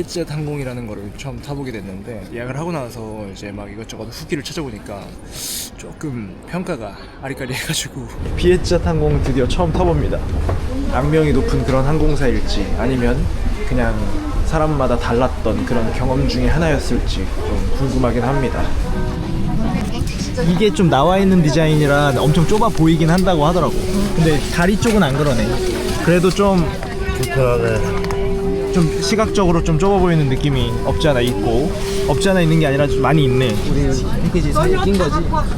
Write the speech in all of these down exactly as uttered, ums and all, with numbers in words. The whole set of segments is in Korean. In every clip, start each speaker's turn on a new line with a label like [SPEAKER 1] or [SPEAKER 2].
[SPEAKER 1] 비에젯 항공이라는 거를 처음 타보게 됐는데, 예약을 하고 나서 이제 막 이것저것 후기를 찾아보니까 조금 평가가 아리까리해가지고 비에젯 항공 드디어 처음 타봅니다. 악명이 높은 그런 항공사일지 아니면 그냥 사람마다 달랐던 그런 경험 중에 하나였을지 좀 궁금하긴 합니다. 이게 좀 나와 있는 디자인이라 엄청 좁아 보이긴 한다고 하더라고. 근데 다리 쪽은 안 그러네. 그래도 좀
[SPEAKER 2] 불편하네.
[SPEAKER 1] 좀 시각적으로 좀 좁아 보이는 느낌이 없지 않아 있고, 없지 않아 있는 게 아니라 좀 많이 있네. 우리 패키지 사이에 낀 거지.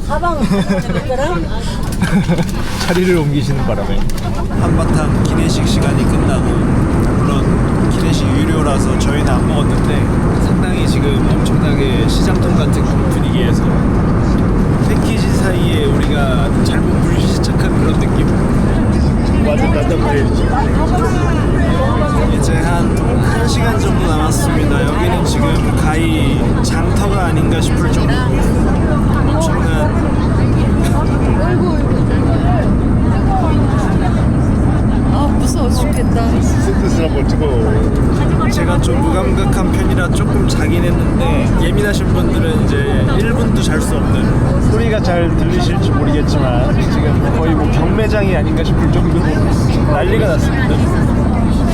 [SPEAKER 1] 자리를 옮기시는 바람에 한바탕 기내식 시간이 끝나고, 물론 기내식 유료라서 저희는 안 먹었는데 상당히 지금 엄청나게 시장통 같은 분위기에서 패키지 사이에 우리가 잘못 불시착한 그런 느낌.
[SPEAKER 2] 완전 난장판이지.
[SPEAKER 1] 이제 한 1시간 정도 남았습니다. 여기는 지금 가히 장터가 아닌가 싶을 정도로 엄청난
[SPEAKER 3] 아 무서워 죽겠다.
[SPEAKER 2] 스트레스 한번 찍어.
[SPEAKER 1] 제가 좀 무감각한 편이라 조금 자긴 했는데, 예민하신 분들은 이제 일 분도 잘 수 없는, 소리가 잘 들리실지 모르겠지만 지금 거의 뭐 경매장이 아닌가 싶을 정도로 난리가 났습니다.